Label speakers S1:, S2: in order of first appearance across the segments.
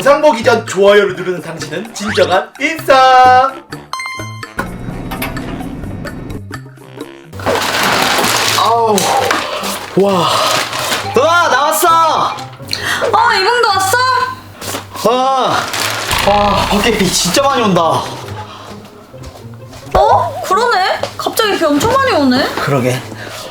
S1: 영상 보기 전 좋아요를 누르는 당신은 진정한 인싸. 아우, 와,
S2: 누나 나왔어.
S3: 이봉도 왔어?
S2: 와 밖에 비 진짜 많이 온다.
S3: 그러네. 갑자기 비 엄청 많이 오네.
S2: 그러게.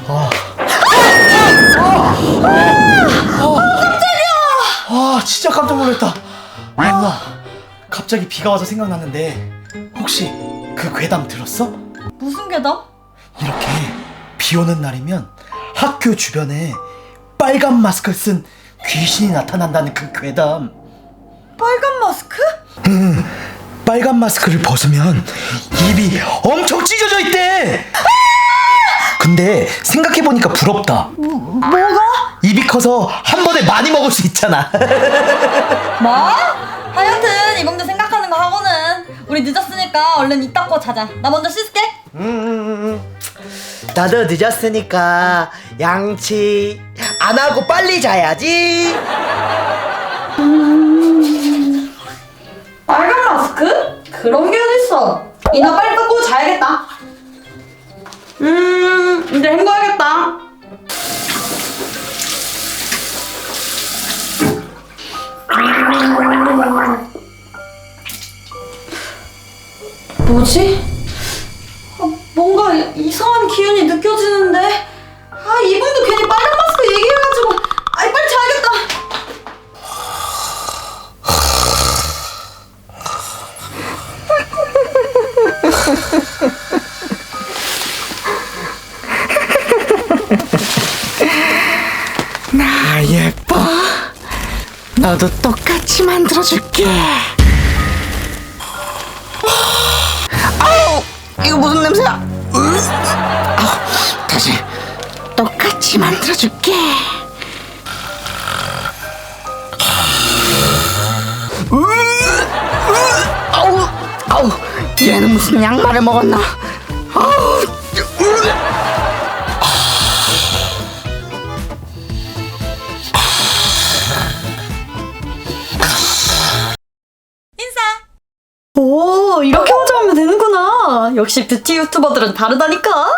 S1: 와, 진짜 깜짝 놀랐다. 누나, 갑자기 비가 와서 생각났는데 혹시 그 괴담 들었어?
S3: 무슨 괴담?
S1: 이렇게 비 오는 날이면 학교 주변에 빨간 마스크를 쓴 귀신이 나타난다는 그 괴담.
S3: 빨간 마스크?
S1: 빨간 마스크를 벗으면 입이 엄청 찢어져 있대. 근데 생각해보니까 부럽다.
S3: 뭐가?
S1: 입이 커서 한 번에 많이 먹을 수 있잖아.
S3: 뭐? 하여튼 이봉도 생각하는 거 하고는 우리 늦었으니까 얼른 입 닦고 자자. 나 먼저 씻을게.
S2: 나도 늦었으니까 양치 안 하고 빨리 자야지.
S3: 빨간 마스크? 그런 게 어딨어. 이나 빨리 닦고 자야겠다. 이제 헹궈야겠다. 뭐지? 뭔가 이상한 기운이 느껴지는데. 이분도 괜히 빨간 마스크 얘기해가지고. 빨리 자야겠다.
S2: 나 예뻐. 너도 똑같이 만들어줄게. 아우 이거 무슨 냄새야? 다시 똑같이 만들어줄게. 아우 얘는 무슨 양말을 먹었나? 아우
S3: 오, 이렇게 화장하면 되는구나. 역시 뷰티 유튜버들은 다르다니까.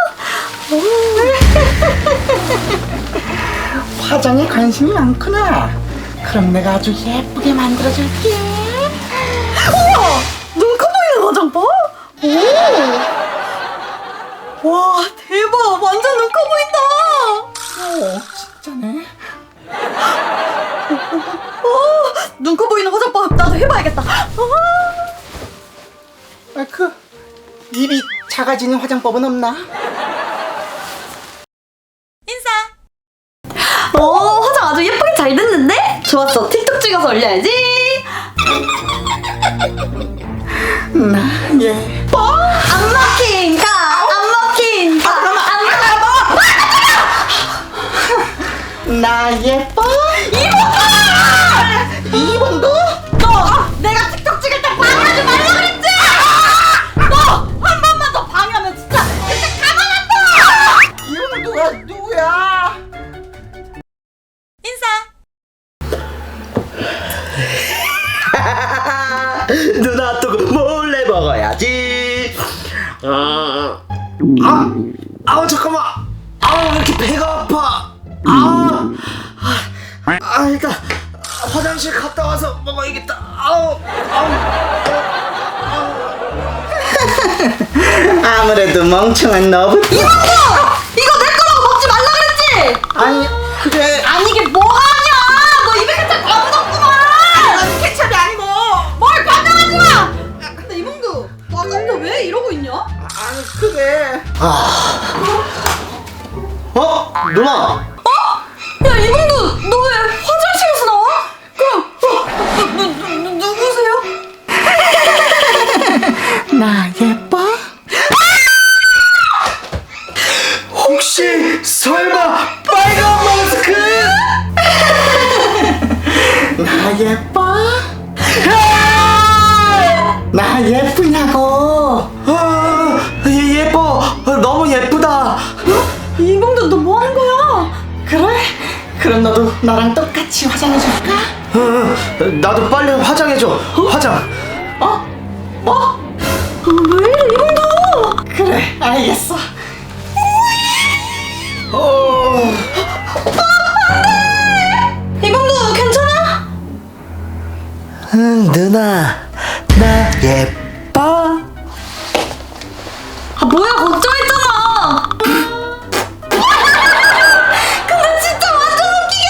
S2: 화장에 관심이 많구나. 그럼 내가 아주 예쁘게 만들어줄게.
S3: 우와, 눈 커 보이는 화장 봐. 오, 와, 대박. 완전 눈 커 보인다.
S2: 진짜네.
S3: 눈 커 보이는 화장법 나도 해봐야겠다.
S2: 입이 작아지는 화장법은 없나?
S3: 화장 아주 예쁘게 잘 됐는데? 좋았어. 틱톡 찍어서 올려야지.
S2: 나 예뻐.
S3: 안 먹힌다. 안 먹힌다.
S2: 나 예뻐. 이봉도?
S3: 너 내가 틱톡 찍을 때 방해하지 말라 그랬지? 너 한 번만 더 방해하면 진짜 가만 안 둬.
S2: 이봉도가 누구야? 누나 또 몰래 먹어야지. 아우 잠깐만. 왜 이렇게 배가 아파? 일단 화장실 갔다 와서 먹어야겠다. 아무래도 멍청한 너부터.
S3: 이거 내 거라고 먹지 말라 그랬지?
S2: 아니 그래.
S3: 아니 이게 뭐하냐? 너 입에 케첩 다 묻었구만.
S2: 케첩이 아니고.
S3: 뭘 반장하지 마. 근데 이봉도 너 아까부터 왜 이러고 있냐?
S2: 아니 그게. 누나.
S3: 야 이봉도 너 왜 화장실에서 나와? 그럼 누구세요?
S2: 나 예뻐?
S1: 혹시 설마 빨간 마스크?
S2: 나 예뻐? 나 예쁘냐고.
S1: 예뻐. 너무 예쁘다.
S3: 이봉도 너 뭐 하는 거야?
S2: 그래? 그럼 너도 나랑 똑같이 화장해줄까?
S1: 나도 빨리 화장해줘. 화장.
S3: 왜 이래 이봉도?
S2: 그래, 알겠어.
S3: 이봉도 괜찮아?
S1: 응, 누나. 나 예뻐?
S3: 아 뭐야 걱정했잖아. 근데 진짜 완전 웃기게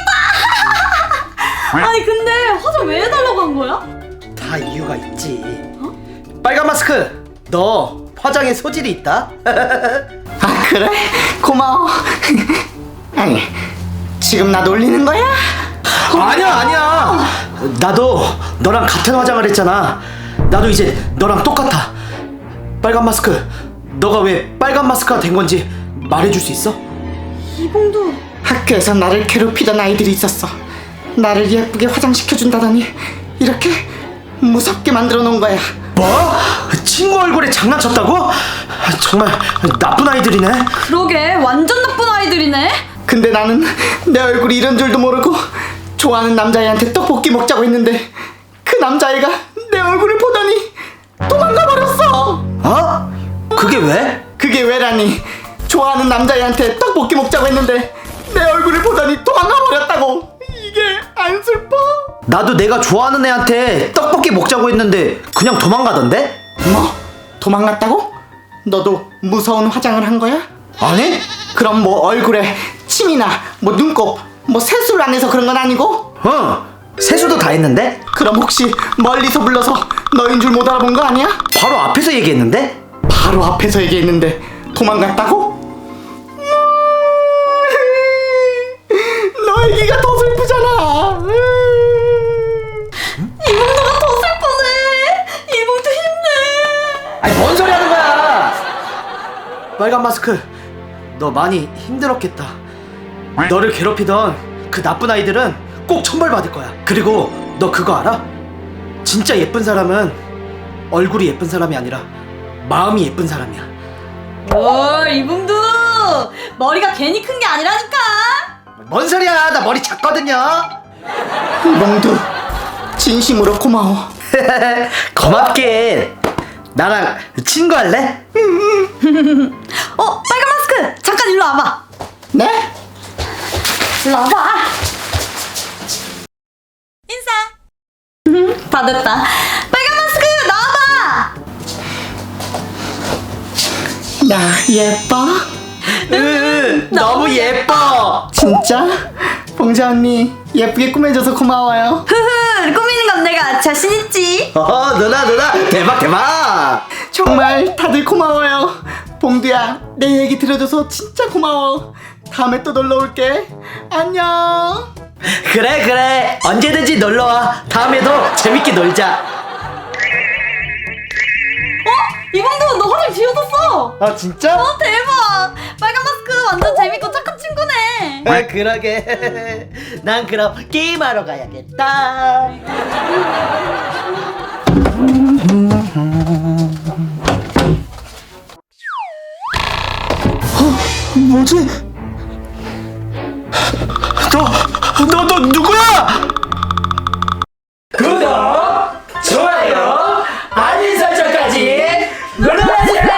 S3: 생겼다. 아니 근데 화장 왜 해달라고 한 거야?
S1: 다 이유가 있지. 빨간 마스크, 너 화장에 소질이 있다?
S2: 아, 그래? 고마워. 아니, 지금 나 놀리는 거야?
S1: 아니야. 나도 너랑 같은 화장을 했잖아. 나도 이제 너랑 똑같아. 빨간 마스크, 너가 왜 빨간 마스크가 된 건지 말해줄 수 있어?
S3: 이봉도
S2: 학교에서 나를 괴롭히던 아이들이 있었어. 나를 예쁘게 화장시켜준다더니 이렇게 무섭게 만들어 놓은 거야.
S1: 뭐? 친구 얼굴에 장난쳤다고? 정말 나쁜 아이들이네.
S3: 그러게 완전 나쁜 아이들이네.
S2: 근데 나는 내 얼굴이 이런 줄도 모르고 좋아하는 남자애한테 떡볶이 먹자고 했는데 그 남자애가 내 얼굴을 보더니 도망가 버렸어.
S1: 어? 그게 왜?
S2: 그게 왜라니? 좋아하는 남자애한테 떡볶이 먹자고 했는데 내 얼굴을 보더니 도망가 버렸다고. 이게 안 슬퍼?
S1: 나도 내가 좋아하는 애한테 떡볶이 먹자고 했는데 그냥 도망가던데?
S2: 뭐? 도망갔다고? 너도 무서운 화장을 한 거야?
S1: 아니?
S2: 그럼 뭐 얼굴에 침이나 뭐 눈곱 뭐 세수를 안 해서 그런 건 아니고?
S1: 세수도 다 했는데?
S2: 그럼 혹시 멀리서 불러서 너인 줄 못 알아본 거 아니야?
S1: 바로 앞에서 얘기했는데?
S2: 바로 앞에서 얘기했는데 도망갔다고? 너 얘기가 더 슬프잖아.
S3: 이봉도가 더 슬퍼네. 이봉도 힘내.
S1: 아니 뭔 소리 하는 거야? 빨간 마스크, 너 많이 힘들었겠다. 너를 괴롭히던 그 나쁜 아이들은 꼭 천벌받을 거야. 그리고 너 그거 알아? 진짜 예쁜 사람은 얼굴이 예쁜 사람이 아니라 마음이 예쁜 사람이야.
S3: 이봉도 머리가 괜히 큰 게 아니라니까.
S1: 뭔 소리야? 나 머리 작거든요.
S2: 몽두 진심으로 고마워.
S1: 고맙게. 나랑 친구할래?
S3: 빨간 마스크 잠깐 일로 와봐.
S2: 네?
S3: 일로 와봐. 인사. 다 됐다. 빨간 마스크 나와봐.
S2: 나 예뻐?
S1: 너무 예뻐.
S2: 진짜? 봉자 언니 예쁘게 꾸며줘서 고마워요.
S3: 꾸미는 건 내가 자신 있지.
S1: 누나 대박.
S2: 정말 다들 고마워요. 봉두야 내 얘기 들어줘서 진짜 고마워. 다음에 또 놀러 올게. 안녕.
S1: 그래 언제든지 놀러와. 다음에도 재밌게 놀자.
S3: 이봉도 너 화장 지워졌어.
S1: 아 진짜?
S3: 대박. 빨간 마스크 완전 재밌고 착한 친구네.
S1: 아 그러게. 난 그럼 게임하러 가야겠다. 뭐지? 너 누구야? 구독, 좋아요, 알림 설정까지 눌러주세요.